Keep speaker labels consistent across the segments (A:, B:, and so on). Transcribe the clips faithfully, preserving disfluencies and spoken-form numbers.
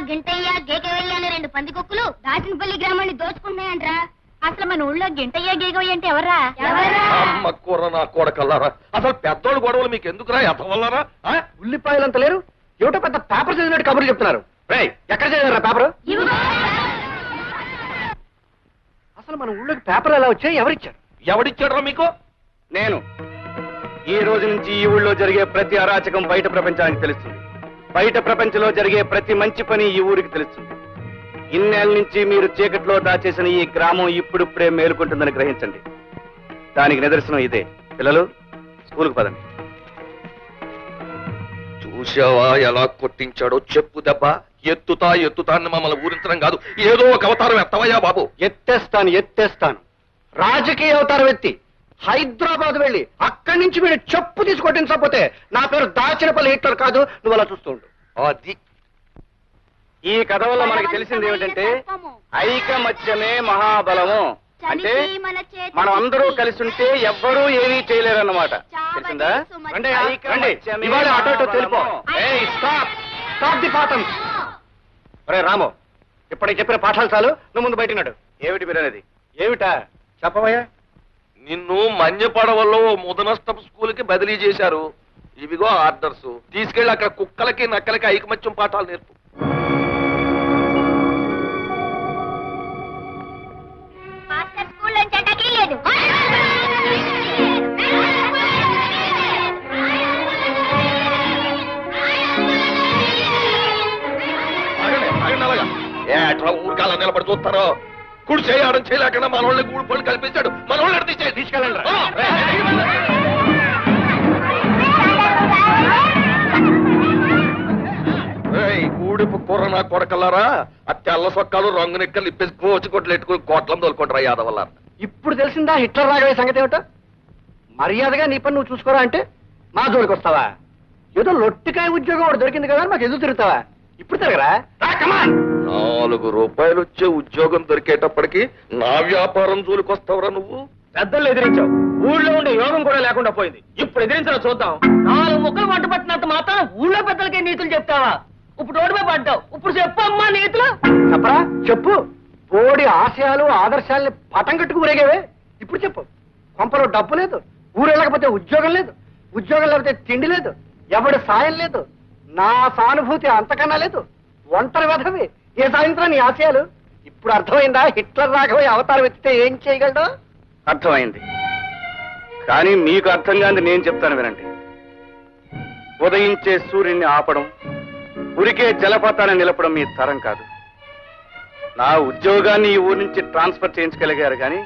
A: గింటయ్య గేకవయ్య అనే రెండు పందికొక్కులు దాచినపల్లి గ్రామాన్ని దోచుకుంటున్నాయంట్రా. అసలు మన ఊళ్ళో గింటయ్య గేకవయ్య అంటే ఎవర్రా?
B: అమ్మ కూర నా కొడకల్లారా, అసలు పెద్దోళ్ళు గొడవలు మీకు ఎందుకురా? ఎత్తవల్లారా?
C: ఉల్లిపాయలంత లేరు, ఏమిటో పెద్ద పేపర్ చదివినట్టు కబుర్లు చెప్తున్నారు. రేయ్, ఎక్కడ చదివారా పేపర్? అసలు మన ఊళ్ళోకి పేపర్ ఎలా వచ్చాయి? ఎవరిచ్చారు?
B: ఎవడిచ్చాడ్రా మీకు?
C: నేను. ఈ రోజు నుంచి ఈ ఊళ్ళో జరిగే ప్రతి అరాచకం బయట ప్రపంచానికి తెలుస్తుంది. బయట ప్రపంచంలో జరిగే ప్రతి మంచి పని ఈ ఊరికి తెలుస్తుంది. ఇన్నేళ్ళ నుంచి మీరు చీకట్లో దాచేసిన ఈ గ్రామం ఇప్పుడిప్పుడే మేలుకుంటుందని గ్రహించండి. దానికి నిదర్శనం ఇదే. పిల్లలు, స్కూల్కి పదండి.
B: చూసావా ఎలా కొట్టించాడో? చెప్పు దెబ్బ ఎత్తుతా ఎత్తుతా అని మమ్మల్ని ఊరించడం కాదు, ఏదో ఒక అవతారం ఎత్తవయ్యా బాబు.
C: ఎత్తేస్తాను ఎత్తేస్తాను రాజకీయ అవతారం ఎత్తి హైదరాబాద్ వెళ్ళి అక్కడి నుంచి మీరు చెప్పు తీసి కొట్టించకపోతే నా పేరు దాచినపల్లి హిట్లర్ కాదు. నువ్వు అలా చూస్తూ ఉండు.
B: అది
C: ఈ కథ వల్ల మనకి తెలిసింది ఏమిటంటే ఐకమత్యమే మహాబలము. అంటే మనం అందరూ కలిసి ఉంటే ఎవ్వరూ ఏమీ చేయలేరు అన్నమాట. తెలిసిందా? ఇవాళ అటో ఇటో తెలిపో. అరే రాము, ఇప్పటికి చెప్పిన పాఠాలు చాలు, నువ్వు ముందు బయటన్నాడు. ఏమిటి మీరనేది? ఏమిటా చెప్పవయ్యా?
B: నిన్ను మన్యపడవల్లో ముదనష్టపు స్కూల్ కి బదిలీ చేశారు. ఇవిగో ఆర్డర్స్, తీసుకెళ్లి అక్కడ కుక్కలకి నక్కలకి ఐకమత్యం పాఠాలు నేర్పు. ఎట్లా ఊరికాల నిలబడి చూస్తారో? కుడి చేయడం చేయలేకుండా మన వాళ్ళని గూడు పళ్ళు కల్పించాడు. మన వాళ్ళని తీసే తీసుకెళ్ళండి. గూడిపు కూర నా కొడకల్లారా, ఆ తెల్ల సొక్కాలు రంగు నెక్కలు ఇప్పేసి కోచి కొట్లు ఎట్టుకుని కోట్లం తోలుకుంటారా యాదవల్ల.
C: ఇప్పుడు తెలిసిందా హిట్లర్ రాగవే సంగతి ఏమిటో? మర్యాదగా నీ పని నువ్వు చూసుకోరా అంటే మా జోలికి వస్తావా? ఏదో లొట్టికాయ ఉద్యోగం ఒకటి దొరికింది కదా మాకు ఎదురు తిరుగుతావా? ఇప్పుడు తిరగరా?
B: నాలుగు రూపాయలు వచ్చే ఉద్యోగం దొరికేటప్పటికి నా వ్యాపారం జోలికి వస్తావురా నువ్వు?
C: పెద్దలు ఎదిరించావు, ఊళ్ళో ఉండే యోగం కూడా లేకుండా పోయింది. ఇప్పుడు ఎదిరించాలో చూద్దాం.
D: నాలుగు ముక్కలు వంట పట్టినంత మాత్రం ఊళ్ళో పెద్దలకే నీతులు చెప్తావా? ఇప్పుడు రోడ్డుపై పడ్డావు, ఇప్పుడు చెప్పు అమ్మా నీతులు.
C: చెప్పరా? చెప్పు. బోడి ఆశయాలు ఆదర్శాలని పటం కట్టుకు ఊరేగేవే. ఇప్పుడు చెప్పు. కొంపలో డబ్బు లేదు, ఊరు వెళ్ళకపోతే ఉద్యోగం లేదు, ఉద్యోగం లేకపోతే తిండి లేదు, ఎవడి సాయం లేదు, నా సానుభూతి అంతకన్నా లేదు, ఒంటరి వధవి. ఏ సాయంత్రం నీ ఆశయాలు? ఇప్పుడు అర్థమైందా హిట్లర్ రాఘవయ్య అవతారం ఎత్తితే ఏం చేయగలడు? అర్థమైంది. కానీ మీకు అర్థం కాని నేను చెప్తాను వినండి. ఉదయించే సూర్యుడిని ఆపడం, ఉరికే జలపాతాన్ని నిలపడం మీ తరం కాదు. నా ఉద్యోగాన్ని ఈ ఊరి నుంచి ట్రాన్స్ఫర్ చేయించగలిగారు కానీ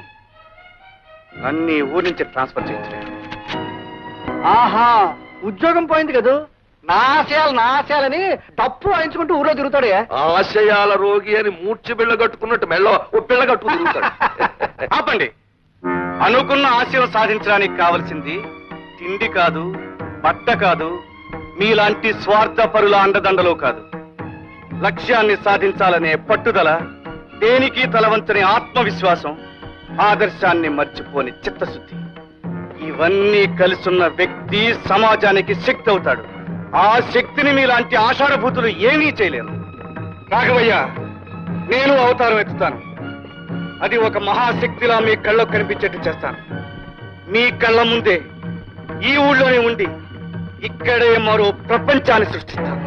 C: నన్ను ఈ ఊరి నుంచి ట్రాన్స్ఫర్ చేయించలేరు. ఆహా, ఉద్యోగం పోయింది కదా, నా ఆశయాలు నా ఆశయాలని డప్పు వాయించుకుంటూ ఊరో తిరుగుతాడే.
B: ఆశయాల రోగి అని మూర్చి బిళ్ళ కట్టుకున్నట్టు మెళ్ళో ఓ పిల్ల కట్టుకు తిరుగుతాడు.
C: ఆపండి. అనుకున్న ఆశయం సాధించడానికి కావలసింది తిండి కాదు, బట్ట కాదు, మీలాంటి స్వార్థ పరుల అండదండలు కాదు. లక్ష్యాన్ని సాధించాలనే పట్టుదల, దేనికి తలవంచని ఆత్మవిశ్వాసం, ఆదర్శాన్ని మర్చిపోని చిత్తశుద్ధి, ఇవన్నీ కలిసున్న వ్యక్తి సమాజానికి శక్తి అవుతాడు. ఆ శక్తిని మీలాంటి ఆషాఢభూతులు ఏమీ చేయలేరు. రాఘవయ్య, నేను అవతారం ఎత్తుతాను. అది ఒక మహాశక్తిలా మీ కళ్ళకు కనిపించేట్టు చేస్తాను. మీ కళ్ళ ముందే ఈ ఊళ్ళోనే ఉండి ఇక్కడే మరో ప్రపంచాన్ని సృష్టిస్తాను.